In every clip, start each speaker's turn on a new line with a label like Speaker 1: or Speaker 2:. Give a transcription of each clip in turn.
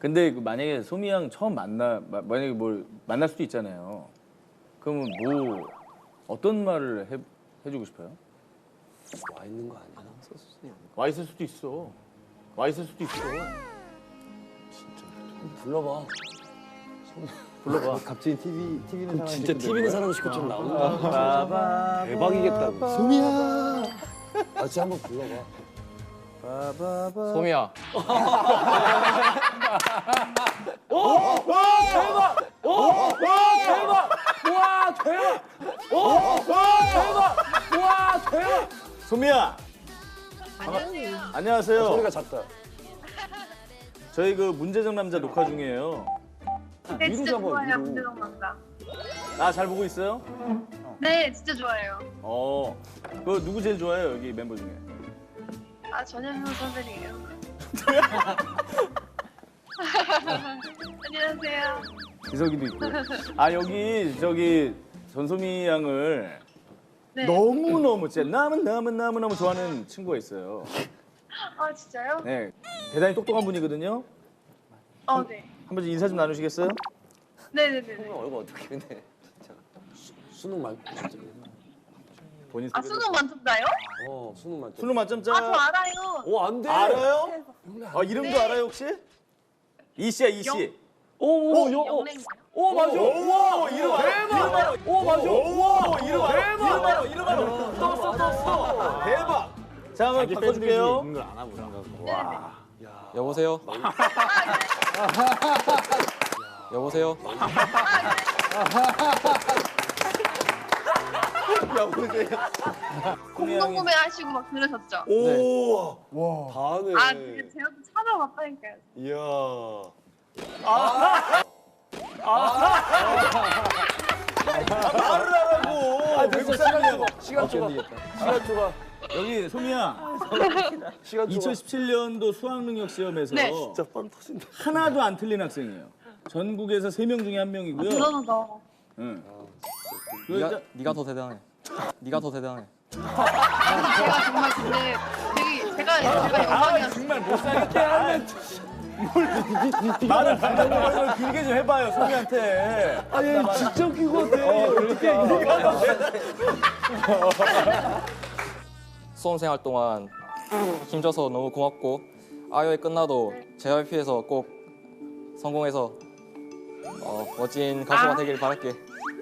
Speaker 1: 근데 만약에 소미 양 처음 만약에 뭘 만날 수도 있잖아요. 그러면 뭐 어떤 말을 해주고 싶어요?
Speaker 2: 와 있는 거 아니야?
Speaker 1: 와 있을 수도 있어. 와 있을 수도 있어.
Speaker 2: 진짜. 불러봐.
Speaker 1: 불러봐.
Speaker 3: 갑자기 TV는 사람
Speaker 2: 진짜 TV는 사람 식구처럼 나온다. 대박이겠다.
Speaker 3: 소미야.
Speaker 2: 아 진짜 한번 불러봐.
Speaker 4: 소미야.
Speaker 1: 소미야. 안녕하세요.
Speaker 2: 소리가 작다.
Speaker 1: 저희 그 문제적 남자 녹화 중이에요.
Speaker 5: 네,
Speaker 2: 위로
Speaker 5: 진짜
Speaker 2: 잡아,
Speaker 5: 좋아요,
Speaker 2: 위로.
Speaker 5: 문제적 남자.
Speaker 1: 아, 잘 보고 있어요?
Speaker 5: 네, 진짜 좋아요.
Speaker 1: 그 누구 제일 좋아해요, 여기 멤버 중에?
Speaker 5: 아, 전현무 선배님이에요. 안녕하세요.
Speaker 1: 이석이도 있고. 아, 여기 저기 전소미 양을
Speaker 5: 네.
Speaker 1: 너무너무 진짜 너무너무 좋아하는 친구가 있어요.
Speaker 5: 아, 진짜요?
Speaker 1: 네. 대단히 똑똑한 분이거든요.
Speaker 5: 네.
Speaker 1: 한번 인사 좀 나누시겠어요?
Speaker 5: 네네네.
Speaker 2: 얼굴 어떻게 근데 진짜. 수능 만
Speaker 1: 본인
Speaker 5: 아,
Speaker 1: 소개.
Speaker 5: 수능 만점자요?
Speaker 2: 수능 만점.
Speaker 1: 수능 만점자.
Speaker 5: 아, 저 알아요.
Speaker 2: 안 돼.
Speaker 1: 알아요? 이름도
Speaker 5: 네.
Speaker 1: 알아요, 혹시? 이씨야, 이씨.
Speaker 5: 영랭이요.
Speaker 2: 오 맞아.
Speaker 1: 오, 이름 알아. 대박.
Speaker 2: 오 맞아.
Speaker 1: 오, 이름 알아. 이름 알아. 떴어. 대박. 자, 한번 바꿔줄게요.
Speaker 4: 여보세요. 여보세요.
Speaker 5: 공동구매 하시고 막 그러셨죠?
Speaker 1: 오.
Speaker 2: 다 하네.
Speaker 5: 아, 근데 제가 또 찾아봤다니까요.
Speaker 2: 이야.
Speaker 1: 말을 하라고.
Speaker 2: 됐어. 시간 초과. 시간 초과.
Speaker 1: 여기 소미야.
Speaker 2: 시간 초과.
Speaker 1: 2017년도 수학능력 시험에서
Speaker 5: 네.
Speaker 2: 진짜 빵 터진다.
Speaker 1: 하나도 안 틀린 학생이에요. 전국에서 3명 중에 1명이고요.
Speaker 5: 대단하다.
Speaker 1: 응.
Speaker 4: 네가 더 대단해. 네가 더 대단해.
Speaker 5: 제가 정말 근데 제가 영광이었어요.
Speaker 1: 정말 못 살겠다. 말을 단단히 길게 좀 해봐요, 소미한테.
Speaker 2: 아얘 진짜 웃긴 것 같아.
Speaker 4: 수험생활 동안 힘줘서 너무 고맙고 아이오이 끝나도 JYP에서 꼭 성공해서 멋진 가수가 되길 바랄게.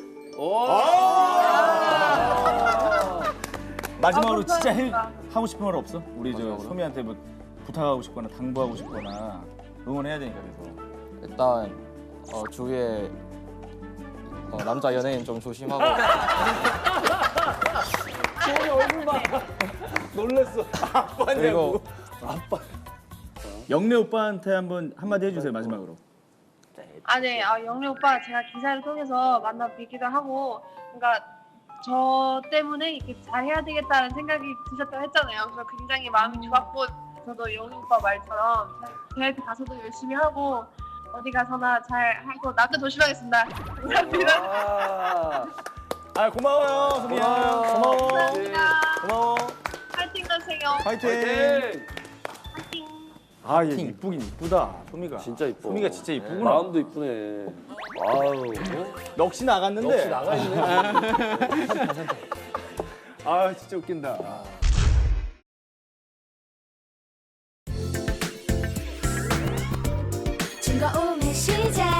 Speaker 1: 마지막으로
Speaker 5: 아,
Speaker 1: 진짜
Speaker 5: 감사합니다.
Speaker 1: 하고 싶은 말 없어? 우리 저 소미한테 뭐 부탁하고 싶거나 당부하고 싶거나 응원해야 되니까 그래서.
Speaker 4: 일단 주위에 남자 연예인 좀 조심하고
Speaker 2: 소리 얼굴 봐. 놀랬어.
Speaker 4: 그리고
Speaker 1: 영래 오빠한테 한마디 해주세요, 마지막으로.
Speaker 5: 아, 네. 영래 오빠 제가 기사를 통해서 만나 뵙기도 하고, 그러니까 저 때문에 이렇게 잘해야 되겠다는 생각이 드셨다고 했잖아요. 그래서 굉장히 마음이 좋았고, 저도 영래 오빠 말처럼 JYP 가서도 열심히 하고 어디 가서나 잘 하고 나도 조심하겠습니다. 감사합니다.
Speaker 1: 고마워요, 소미야. 고마워.
Speaker 5: 감사합니다.
Speaker 1: 고마워.
Speaker 5: 파이팅 하세요.
Speaker 1: 파이팅.
Speaker 5: 파이팅.
Speaker 1: 아, 얘 이쁘긴 이쁘다, 소미가.
Speaker 2: 진짜 이뻐.
Speaker 1: 소미가 진짜 이쁘구나.
Speaker 2: 마음도 이쁘네. 아유.
Speaker 1: 넋이 나갔는데.
Speaker 2: 역시 나가 있네.
Speaker 1: 아, 진짜 웃긴다.
Speaker 6: 즐거움의 시작